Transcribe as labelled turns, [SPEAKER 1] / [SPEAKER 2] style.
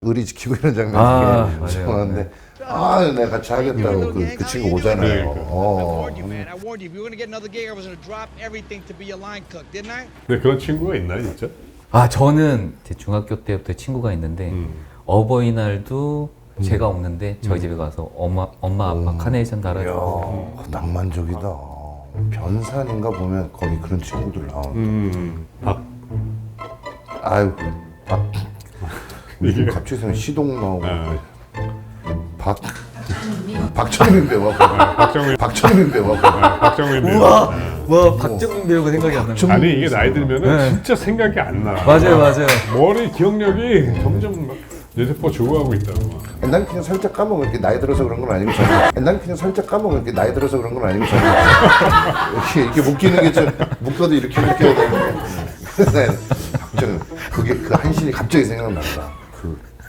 [SPEAKER 1] 의리 지키고 이런 장면이
[SPEAKER 2] 맞아요.
[SPEAKER 1] 좋아하는데 내가 같이 하겠다고 그 친구 오잖아요.
[SPEAKER 3] warned you, man. I warned you. If you were gonna get another gig, I was gonna drop everything to be a line cook, didn't I?
[SPEAKER 4] 네, 그런 친구가 있나요, 진짜?
[SPEAKER 2] 저는 제 중학교 때부터 친구가 있는데 어버이날도 제가 없는데 저희 집에 가서 엄마 아빠 카네이션 달아주고.
[SPEAKER 1] 이야, 낭만적이다. 변산인가 보면 거기 그런 친구들 나오는데. 아유,
[SPEAKER 4] 이게
[SPEAKER 1] 갑자기 생각 시동 나오고.
[SPEAKER 4] 아,
[SPEAKER 1] 박정민 배우하고. 박정민 배우하고.
[SPEAKER 4] 박정민 배우.
[SPEAKER 2] 와 박정민 배우가 생각이 안 나요.
[SPEAKER 4] 아니 이게 나이 들면은
[SPEAKER 2] 네.
[SPEAKER 4] 진짜 생각이 안 나.
[SPEAKER 2] 맞아요.
[SPEAKER 4] 머리 기억력이 점점 막 뇌세포 죽어가고 있다고.
[SPEAKER 1] 난 그냥 살짝 까먹어. 이렇게 나이 들어서 그런 건 아니고 저는. 난 그냥 살짝 까먹어. 이렇게 나이 들어서 그런 건 아니고 저는. 이렇게 묶이는 게 좀 묶어도 이렇게 묶여야 되는데. 박정민 그게 그 한신이 갑자기 생각난다.